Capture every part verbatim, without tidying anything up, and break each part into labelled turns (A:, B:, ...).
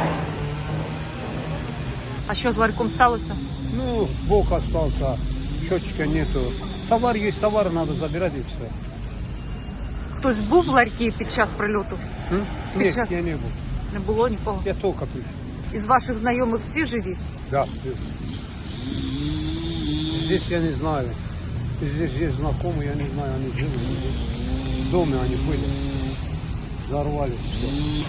A: А що з ларьком сталося?
B: Ну, бок остался, счетчика нету. Товар есть, товар надо забирать и все.
A: Хтось був в ларькі під час прильоту?
B: М?
A: Під
B: Нет,
A: час-
B: я не был.
A: Не було нікого.
B: Я только пришел.
A: Із ваших знайомих всі живі?
B: Да. Здесь я не знаю. Здесь есть знакомые, я не знаю, они живы. В доме они были. Взорвали все.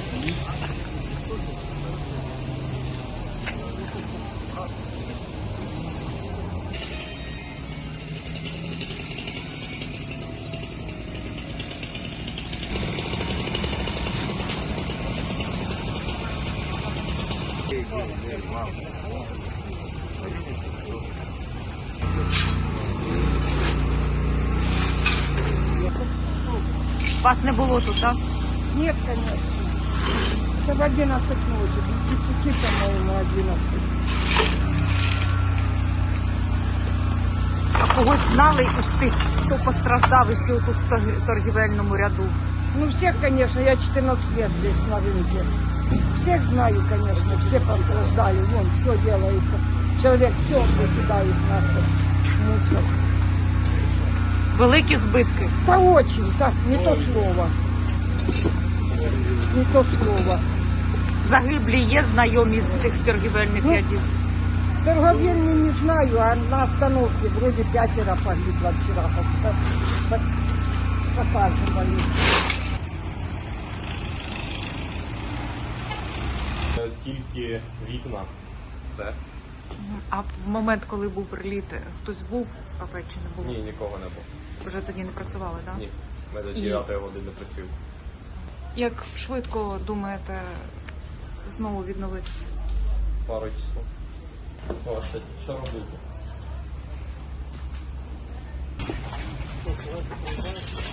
A: Вас не було тут, так?
C: Нет, конечно. Это в одиннадцать ночи, без десяти, по-моему, одиннадцать.
A: А когось знали із тих, хто постраждав ще тут в торг- торгівельному ряду?
C: Ну, всех, конечно, я четырнадцать лет здесь на рынке. Всех знаю, конечно, все пострадали. Вон, все делается. Человек все выкидает наше мусор.
A: Великі збитки.
C: Да очень, так, не то слово. Не то слово.
A: Загиблі є знайомі з тих торгівельних
C: Ну,
A: рядів?
C: Торговельни не знаю, а на остановке вроде пятеро погибло вчера. По- по- Показывали.
D: Тільки вікна. Все.
A: А в момент, коли був приліт, хтось був в кафе чи не було?
D: Ні, нікого не було.
A: Вже тоді не працювали, так?
D: Ні. Ми до
A: І-
D: дев'ятої години працюємо.
A: Як швидко думаєте знову відновитися?
D: Пару часов. О, що, що робити?